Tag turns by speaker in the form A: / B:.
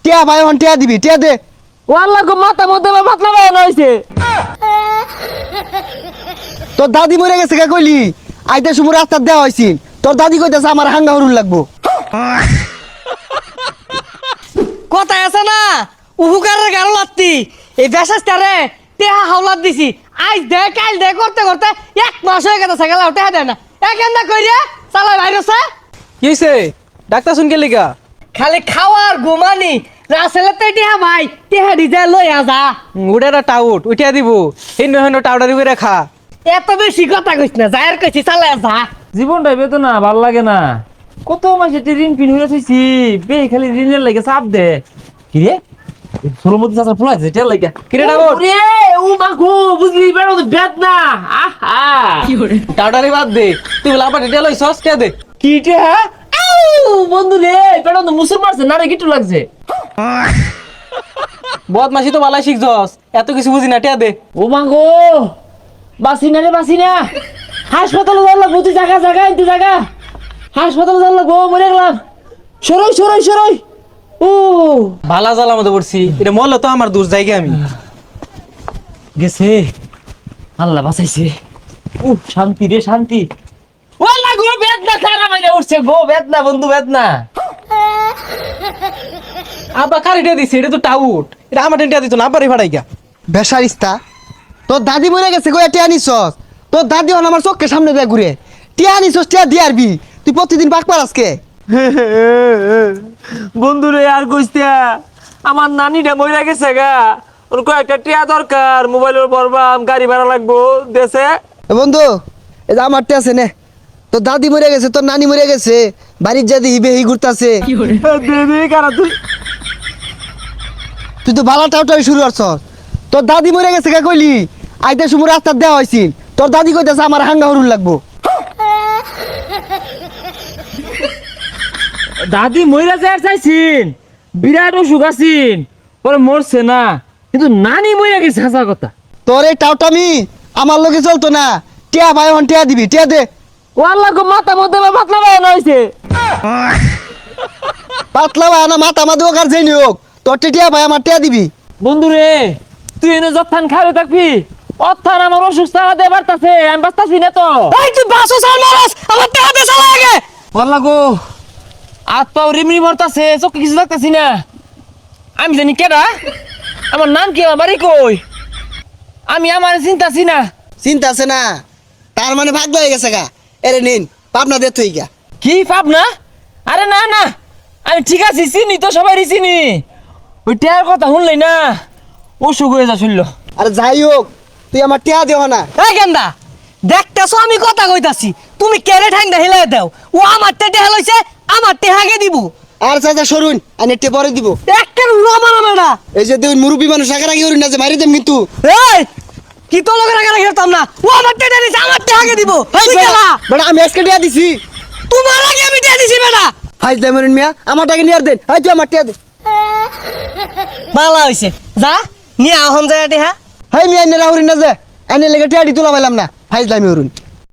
A: টিয়া ভাই হন টিয়া দিবি টিয়া দে।
B: ওয়াল্লাহ গো মাথা মধ্যে পাতলা বানানো হইছে।
A: তোর দাদি মরে গেছে কে কইলি? আইতে সময় রাস্তা দেওয়া হইছিন, তোর দাদি কইতাছে আমার হাঙ্গা হরুন লাগবো।
C: কথা আছে না উহুকারের গারো লাত্তি এই বেশাস্তারে টেহা হাওলাত দিছি আজ দে কাল দে করতে করতে 1 মাস হয়ে গেছে গেল টেহা দেয় না একেন্দা কইরে চালা ভাইরাসে
B: কি হইছে? ডাক্তার শুন কে লিগা?
C: খালি খাওয়ার ঘুমানি রাসেলে তো টেহা ভাই টেহা ডিজে লই আজা
B: উড়াটা টাউট উঠিয়া দিব হিন্দু হিন্দু টাউডার করে রাখা।
C: এত বেশি কথা কইছ না যায়ের কইছি চালা যা
B: জীবনটা বেদনা ভাল লাগে না। কত মাসে ঋণ পিন হয়ে থইছি বে খালি ঋণের লাগে চাপ দে। কি রে সোলমতি চাচা ফুল আছে তেল লাগে কি রে ডাবর রে ও মা গো বুঝলি বেড়ো তো বেদ না আহা কি করে টাউডারে বাদ দে তুই বলা আবার তেল হই সস কে দে কি রে হ্যাঁ বন্ধু রে বেড়ো তো মুসুর মারছে না রে কিটু লাগছে বদমাশি তো ভালাই শিখছস এত কিছু বুঝি না টিয়া দে ও মা গো বাসি না রে বাসি না হাসপাতালে যাওয়ার বুঝি জায়গা জায়গা ইনতে জায়গা হাসপাতালে যাওয়ার গো মরে গেলাম সরই সরই সরই ও ভালা জ্বালা মতো পড়ছি এটা মরলে তো আমার দূর জায়গা আমি গেছে আল্লাহ বাঁচাইছে ও শান্তি রে শান্তি ওলা গো বেদনা খারাপ হয়ে উঠছে গো বেদনা বন্ধু বেদনা আবা কারিটা দিছে এটা তো টাউট এটা আমার টেন্টা দিত না আবারই ফাড়াই গা
A: বেসারিস্তা তোর দাদি মরে গেছে কই টিয়া নিছস? তোর দাদি হন আমার চোখের সামনে দিয়ে ঘুরে টিয়া নিছস টিয়া দিয়ারবি তুই প্রতিদিন পাক পার আজকে।
B: বন্ধু রে আর কইস্তা আমার নানিটা মইরা গেছে গা ওর কয়েকটা টিয়া দরকার মোবাইলের বরবাম গাড়ি ভাড়া লাগবো দেশে
A: বন্ধু এই যে আমার টিয়া আছে নে, তোর দাদি মরে গেছে তোর নানি মরে গেছে বাড়ির যাদি হিবে হি ঘুরতাছে
B: দে কারা তুই
A: তুই তো বালা টাউটাই শুরু করছস। তোর দাদি মরে গেছে কে কইলি? আইতে সময় রাস্তা দেওয়া হইছিন, তোর দাদি কইতাছে আমার হাঙ্গা হরুন লাগবো।
B: দাদি মইরা যায় চাইছিন বিরাট অসুখ আছিন পরে মরছে না কিন্তু নানি মইরা গেছে হাসা কথা।
A: তোর এই টাউটামি আমার লগে চলতো না। টিয়া ভাই হন টিয়া দিবি টিয়া দে।
B: ওয়াল্লাহ গো মাথা মধ্যে পাতলা বানানো হইছে।
A: পাতলা ভাই না মাথা মাদু কার যেই হোক তোর টিয়া ভাই আমার টিয়া দিবি।
B: বন্ধু রে তুই এনে যত্থান খাবে থাকবি অর্থান আমার অসুস্থ দে বাড়তাছে আমি বাঁচতাছি না তো।
C: এই তুই বাসো চাল মারাস আমার টেহা দে চালা আগে
B: ওয়াল্লাহ গো হাত পাও রিমরি মরতাছে চোখে কিছু দেখতাছি না। আমি জানি কেডা আমার নাম কি আমার বাড়ি কই আমি আমার চিন্তাছি না।
A: চিন্তা আছে না তার মানে ভাগ্য হয়ে গেছে গা। এরে নিন পাবনা দে তুই গা।
B: কি পাপ না? আরে না না আমি ঠিক আছি চিনি তো সবাই চিনি ওই টেয়ার কথা শুনলেই না অসুখ হয়ে যা শুনল।
A: আরে যাই হোক তুই আমার টিয়া দেহ না।
C: এই গেন্দা দেখতেছো আমি কথা কইতাছি তুমি কেড়ে ঠাঙ্গা হিলাই দাও ও আমার টেহা লইছে আমার টেহাকে দিব
A: আর চাচা সরুন আমি টে পরে দিব।
C: একটা রুমানা মেডা
A: এই যে তুই মুরব্বী মানুষ আগে হরুন না যে মারি দেম কিন্তু।
C: এই কি তো লোকের আগে খেলতাম না ও আমার টেহা দিছে আমার টেহাকে দিব তুই গেলা
A: বেটা আমি আজকে টিয়া দিছি
C: তোমার আগে আমি টেহা দিছি বেটা
A: ফাইজ দে মরুন মিয়া আমার টাকা নিয়ে আর দেন। এই তুই আমার টিয়া দে।
C: ভালো হইছে যা নিয়ে আহন যায় টেহা
A: হাই মিয়া এনে রাহুরিন না যে এনে লেগে টিয়া দি তোলা পাইলাম না ফাইজ দামি হরুন।